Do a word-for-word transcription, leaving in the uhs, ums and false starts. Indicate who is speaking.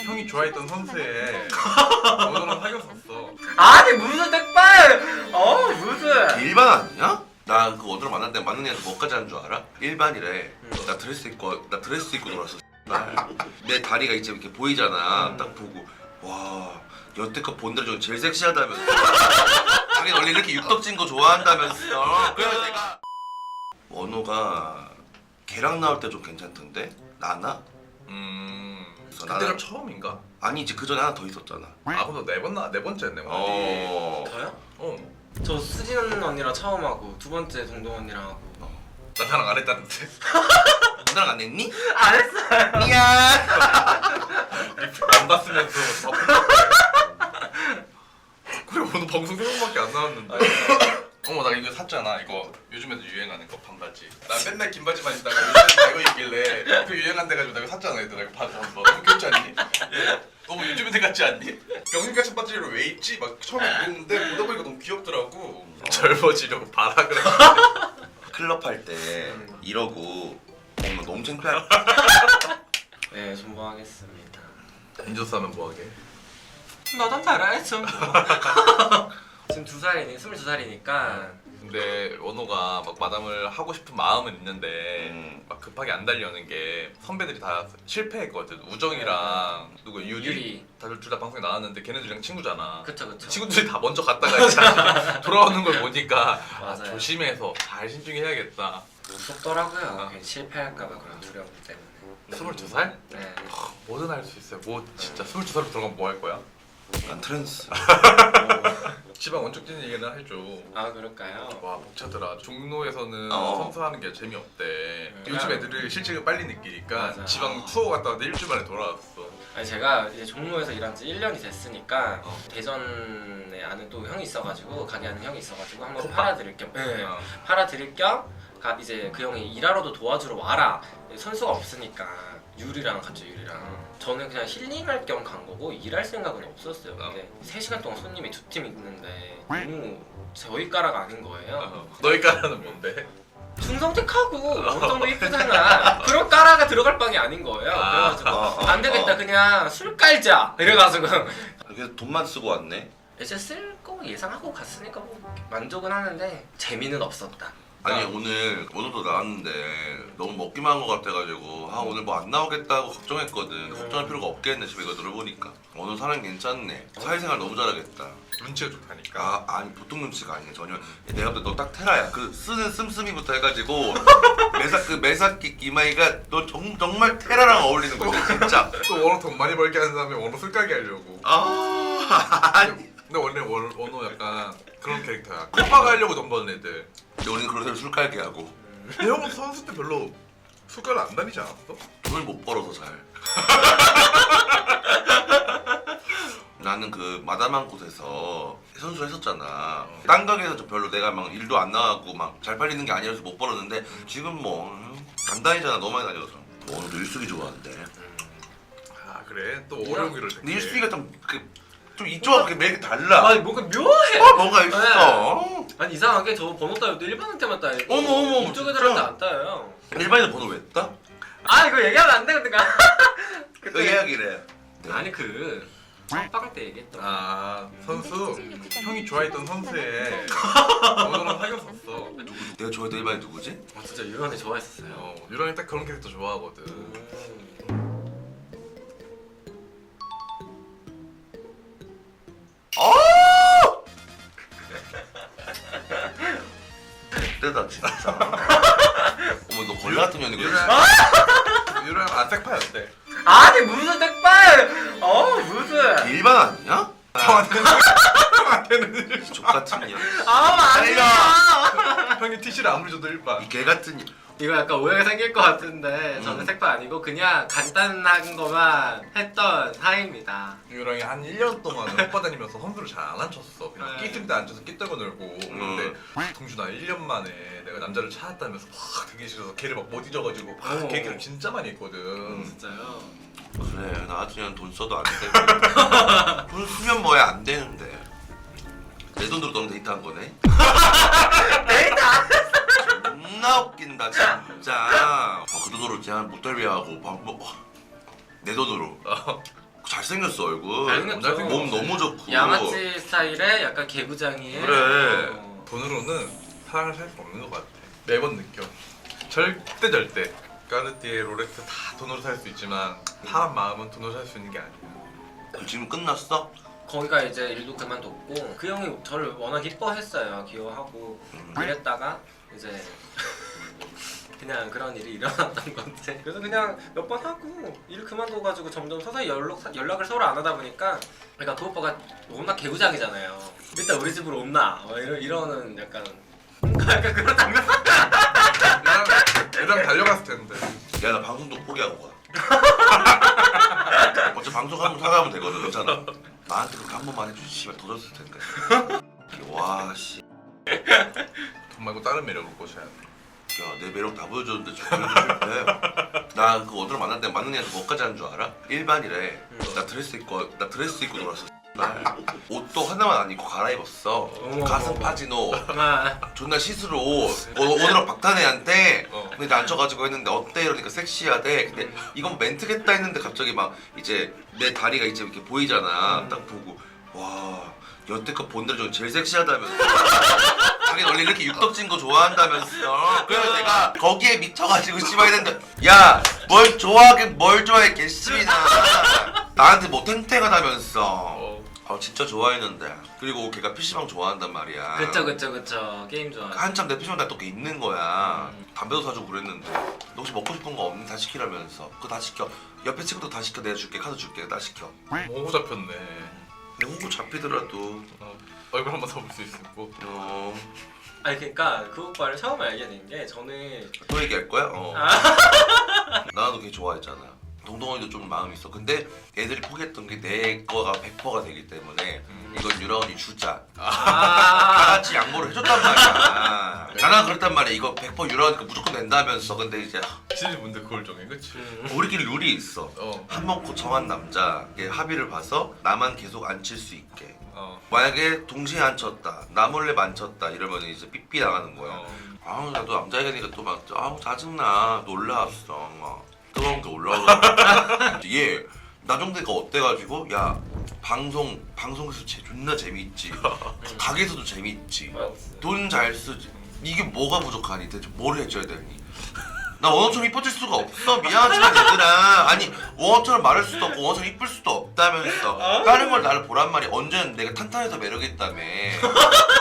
Speaker 1: 형이 좋아했던 선수에 원호랑 사귀었었어.
Speaker 2: 아니 무슨 택발! 어 무슨?
Speaker 3: 일반 아니야? 나 그 원호랑 만날 때 만난 애한테 뭐까지 하는 줄 알아? 일반이래. 나 드레스 입고 나 드레스 입고 놀았어. 내 다리가 이제 이렇게 보이잖아. 딱 보고 와 여태껏 본 데 중에 제일 섹시하다면서. 자기 원래 이렇게 육덕진 거 좋아한다면서. 그래서 내가 원호가 걔랑 나올 때 좀 괜찮던데? 나나?
Speaker 1: 음.
Speaker 3: 그래서
Speaker 1: 그때가
Speaker 3: 나는-
Speaker 1: 처음인가?
Speaker 3: 아니지 그 전에 하나 더 있었잖아.
Speaker 1: 아 그럼 네 번 나 네 번째네.
Speaker 3: 어.
Speaker 2: 저요?
Speaker 1: 어.
Speaker 2: 저 수진 언니랑 처음 하고 두 번째 동동 언니랑 하고.
Speaker 1: 나 나랑 안 했다는데.
Speaker 3: 누나랑 안 했니?
Speaker 2: 안 했어요.
Speaker 3: 미안.
Speaker 1: 안 봤으면서. 그래 오늘 방송 세 번밖에 안 나왔는데. 어머 나 이거 샀잖아. 이거 요즘에도 유행하는 거 반바지. 나 맨날 긴 바지만 입다가 요즘에 이거 입길래 그 유행한데 가지고 내가 샀잖아 얘들아. 이거 바지 한번. 너무 귀엽지 않니? 너무 요즘에 같지 않니? 명륜같은 바지를 왜 입지? 막 처음에 그랬는데 보다 보니까 너무 귀엽더라고. 젊어지려고 봐라 그래.
Speaker 3: 클럽 할 때 이러고 어머 너무 창피할.
Speaker 2: 네 존버하겠습니다.
Speaker 1: 인조스 하면 뭐하게?
Speaker 2: 나도 잘해야죠. 지금 두 살이니 스물두 살이니까.
Speaker 1: 근데 원호가 막 마담을 하고 싶은 마음은 있는데
Speaker 3: 음.
Speaker 1: 막 급하게 안 달려는 게 선배들이 다 실패했거든. 우정이랑 누구 유리,
Speaker 2: 유리.
Speaker 1: 다들 둘 다 방송에 나왔는데 걔네들이랑 친구잖아.
Speaker 2: 그쵸 그쵸.
Speaker 1: 친구들이 다 먼저 갔다가 이제 돌아오는 걸 보니까 아,
Speaker 2: 맞아요.
Speaker 1: 조심해서 잘 신중해야겠다.
Speaker 2: 무섭더라고요. 괜히 실패할까봐 그런 두려움 때문에.
Speaker 1: 스물두 살?
Speaker 2: 네.
Speaker 1: 뭐든 할 수 있어요. 뭐 진짜 스물두 살로 들어가면 뭐 할 거야?
Speaker 3: 난 트랜스.
Speaker 1: 지방 원적진 얘기는 해줘.
Speaker 2: 아 그럴까요?
Speaker 1: 와 벅차더라. 종로에서는
Speaker 3: 어.
Speaker 1: 선수하는 게 재미없대.
Speaker 2: 음.
Speaker 1: 요즘 애들을 실직을 빨리 느끼니까
Speaker 2: 맞아.
Speaker 1: 지방 투어 갔다 왔는데 일주일 만에 돌아왔어.
Speaker 2: 아니 제가 이제 종로에서 일한 지 일 년이 됐으니까
Speaker 1: 어.
Speaker 2: 대전에 아는 또 형이 있어가지고 가게 하는 형이 있어가지고 한번
Speaker 1: 코파?
Speaker 2: 팔아드릴 겸 네.
Speaker 1: 어.
Speaker 2: 팔아드릴 겸 가, 이제 그 형이 일하러도 도와주러 와라. 선수가 없으니까 유리랑 같이 유리랑 저는 그냥 힐링할 겸 간 거고 일할 생각은 없었어요. 근데 세 시간 동안 손님이 두 팀 있는데 너무 저희 까라가 아닌 거예요.
Speaker 1: 어. 너희 까라는 뭔데?
Speaker 2: 중성택하고 어느 정도 이쁘잖아. 그런 까라가 들어갈 방이 아닌 거예요.
Speaker 1: 아.
Speaker 2: 그래가지고
Speaker 3: 어, 어,
Speaker 2: 안 되겠다
Speaker 3: 어.
Speaker 2: 그냥 술 깔자 이래가지고
Speaker 3: 그래서 돈만 쓰고 왔네.
Speaker 2: 이제 쓸 거 예상하고 갔으니까 뭐 만족은 하는데 재미는 없었다.
Speaker 3: 아니 오늘 오늘도 나왔는데 너무 먹기만 한 것 같아가지고 아 오늘 뭐 안 나오겠다고 걱정했거든. 걱정할 필요가 없겠네 집에 이거 들어보니까. 오늘 사람 괜찮네. 사회생활 너무 잘하겠다.
Speaker 1: 눈치가 좋다니까.
Speaker 3: 아 아니 보통 눈치가 아니야 전혀. 내가 볼 때 너 딱 테라야. 그 쓰는 씀씀이부터 해가지고 매사 그 매사끼 이마이가 너 정, 정말 테라랑 어울리는 거지 진짜.
Speaker 1: 또 원호 돈 많이 벌게 하는 사람이 원호 술가게 하려고.
Speaker 3: 아 아니.
Speaker 1: 근데 원래 원, 원호 약간 그런 캐릭터야. 코파가 하려고 돈 버는 애들.
Speaker 3: 근데 우리는 그런 술 깔게 하고
Speaker 1: 근데 형은 선수 때 별로 술가를 안 다니지 않았어?
Speaker 3: 돈을 못 벌어서 잘. 나는 그 마담한 곳에서 선수를 했었잖아. 딴 가게에서 좀 별로 내가 막 일도 안 나가고 막 잘 팔리는 게 아니라서 못 벌었는데 지금 뭐 안 다니잖아. 너무 많이 다녀서. 오늘도 일숙이 좋아한대.
Speaker 1: 아 그래? 또 어려운기를
Speaker 3: 근데 일숙이가 좀 그 좀 이쪽하고 그 매력이 달라.
Speaker 2: 아니 뭔가 묘해.
Speaker 3: 어 뭔가 있어.
Speaker 2: 아니 이상하게 저 번호 따위도 일반한테만 따이고
Speaker 3: 어머, 어머,
Speaker 2: 이쪽
Speaker 3: 진짜?
Speaker 2: 애들한테 안 따요.
Speaker 3: 일반인 번호 왜 따?
Speaker 2: 아 이거 얘기하면 안 되거든요.
Speaker 3: 그 이야기래.
Speaker 2: 아니 그 빵빵 때 얘기했던.
Speaker 1: 아 선수? 형이 좋아했던 선수에 원호랑 사귀었었어.
Speaker 3: 내가 좋아했던 일반인 누구지?
Speaker 2: 아 진짜 유연이 좋아했었어요.
Speaker 1: 어, 유랑이 딱 그런 캐릭터 좋아하거든.
Speaker 2: 음.
Speaker 3: 그때다 진짜. 어머 너 걸레 같은 년이고.
Speaker 1: 유랑 유랑 안 색파였대.
Speaker 2: 아니 무슨 택발! 어 무슨?
Speaker 3: 일반 아니야?
Speaker 1: 형한테는 형한테는
Speaker 3: 족 같은 년.
Speaker 2: 아 아니야.
Speaker 1: 형이 티시를 아무리 줘도 일반.
Speaker 3: 이 개 같은 년.
Speaker 2: 이거 약간 오해가 생길 것 같은데 저는
Speaker 3: 음.
Speaker 2: 색깔 아니고 그냥 간단한 것만 했던 사이입니다.
Speaker 1: 유랑이 한 일 년 동안 오빠 다니면서 선수를 잘 안 앉혔어. 그냥
Speaker 2: 네.
Speaker 1: 끼 뜰 때 앉아서 끼 떨고 놀고. 근데
Speaker 3: 음.
Speaker 1: 동준아 일 년 만에 내가 남자를 찾았다면서 막 되게 싫어서 걔를 막 못 잊어가지고 막
Speaker 2: 어.
Speaker 1: 걔기를 진짜 많이 했거든.
Speaker 3: 음.
Speaker 2: 진짜요?
Speaker 3: 그래 나 같은 년돈 써도 안 되고. 돈 쓰면 뭐야 안 되는데. 내 돈으로 너랑 데이트한 거네.
Speaker 2: 데이트 안 했어.
Speaker 3: 존나 웃긴다 진짜. 어, 그 돈으로 제가 모텔비하고 밥 먹. 내 돈으로.
Speaker 1: 어.
Speaker 3: 잘 잘생겼어 얼굴.
Speaker 2: 잘생겼죠.
Speaker 3: 몸 너무 좋고.
Speaker 2: 양아치 스타일의 약간 개구장이에
Speaker 3: 그래.
Speaker 2: 어.
Speaker 1: 돈으로는 사랑을 살 수 없는 것 같아. 매번 느껴. 절대 절대. 까르띠에, 롤렉스 다 돈으로 살 수 있지만 사람 마음은 돈으로 살 수 있는 게 아니야.
Speaker 3: 지금 끝났어?
Speaker 2: 거기가 이제 일도 그만뒀고 그 형이 저를 워낙 이뻐했어요. 귀여워하고
Speaker 3: 음.
Speaker 2: 그랬다가 이제 그냥 그런 일이 일어났던 건데 그래서 그냥 몇 번 하고 일 그만둬가지고 점점 서서히 연락, 연락을 서로 안 하다 보니까 그러니까 그 오빠가 워낙 개구장이잖아요. 일단 우리 집으로 온나 뭐 이러, 이러는 약간 약간 그런 장면.
Speaker 1: 그냥 그냥 달려갔을 텐데.
Speaker 3: 야 나 방송도 포기하고 가. 어차피 방송 한번 사가면 되거든. 괜찮아. 나한테 그렇게 한 번만 해주지. 씨발 더 줬을 텐데. 와 씨.
Speaker 1: 돈 말고 다른 매력을 꼬셔야 돼.
Speaker 3: 야 내 매력 다 보여줬는데 저 보여줄 때. 나 그 오늘 만날 때 맞는 애한테 뭐까지 하는 줄 알아? 일반이래. 나 드레스 입고 나 드레스 입고 놀았어. 날. 옷도 하나만 안 입고 갈아입었어.
Speaker 2: 어머,
Speaker 3: 가슴
Speaker 2: 어머.
Speaker 3: 파진 옷.
Speaker 2: 아,
Speaker 3: 존나 시스루 옷. 어, 오늘 박탄애한테
Speaker 1: 어.
Speaker 3: 근데 앉혀가지고 했는데 어때 이러니까 섹시하대. 근데
Speaker 2: 음.
Speaker 3: 이건 멘트겠다 했는데 갑자기 막 이제 내 다리가 이제 이렇게 보이잖아.
Speaker 2: 음.
Speaker 3: 딱 보고 와 여태껏 본 데로 중에 제일 섹시하다면서. 자기는 원래 이렇게 육덕진 거 좋아한다면서. 그래서 내가 거기에 미쳐가지고 씨발 했는데 야 뭘 좋아하긴 뭘 좋아해 개씨이나. 나한테 뭐 탱탱하다면서.
Speaker 1: 어.
Speaker 3: 아 진짜 좋아했는데. 그리고 걔가 피시방 좋아한단 말이야.
Speaker 2: 그쵸 그쵸 그쵸 게임 좋아.
Speaker 3: 한참 내 피시방 날또 있는 거야.
Speaker 2: 음.
Speaker 3: 담배도 사주고 그랬는데 너 혹시 먹고 싶은 거 없니? 다 시키라면서. 그거 다 시켜. 옆에 친구도 다 시켜. 내가 줄게. 카드 줄게. 다 시켜.
Speaker 1: 오고 잡혔네.
Speaker 3: 내 호구 잡히더라도
Speaker 1: 어. 얼굴 한번 더 볼 수 있고.
Speaker 3: 어...
Speaker 2: 아니 그러니까 그 오빠를 처음 알게 된 게 저는
Speaker 3: 또 얘기할 거야? 어.
Speaker 2: 아.
Speaker 3: 나도 걔 좋아했잖아. 동동언니도 좀 마음이 있어. 근데 애들이 포기했던 게 내 거가 백 퍼센트가 되기 때문에
Speaker 1: 음.
Speaker 3: 이건 유라 언니 주자. 다
Speaker 2: 아.
Speaker 3: 같이 양보를 해줬단 말이야. 나랑 그랬단 말이야. 이거 백 퍼센트 유라 언니가 무조건 낸다면서. 근데 이제
Speaker 1: 시즈분들 그걸 정해, 그치?
Speaker 2: 음.
Speaker 3: 우리끼리 룰이 있어.
Speaker 1: 어.
Speaker 3: 한 번 고청한 남자 합의를 봐서 나만 계속 앉힐 수 있게.
Speaker 1: 어.
Speaker 3: 만약에 동시에 앉혔다, 나 몰래 만졌다 이러면 이제 삐삐 나가는 거야.
Speaker 1: 어.
Speaker 3: 아우 나도 남자애가 되니까 또 막 아우 짜증나. 놀라웠어. 막 뜨거운 게 올라오고. 얘 나정대가 어때가지고 야 방송 방송에서 제 존나 재밌지. 가게에서도 재밌지. 돈 잘 쓰지. 이게 뭐가 부족하니? 대체 뭘 해줘야 되니? 나 원어처럼 이뻐질 수가 없어. 미안하지만 얘들아. 아니 원어처럼 말할 수도 없고 원어처럼 이쁠 수도 없다면서. 다른 걸 나를 보란 말이. 언제는 내가 탄탄해서 매력있다며.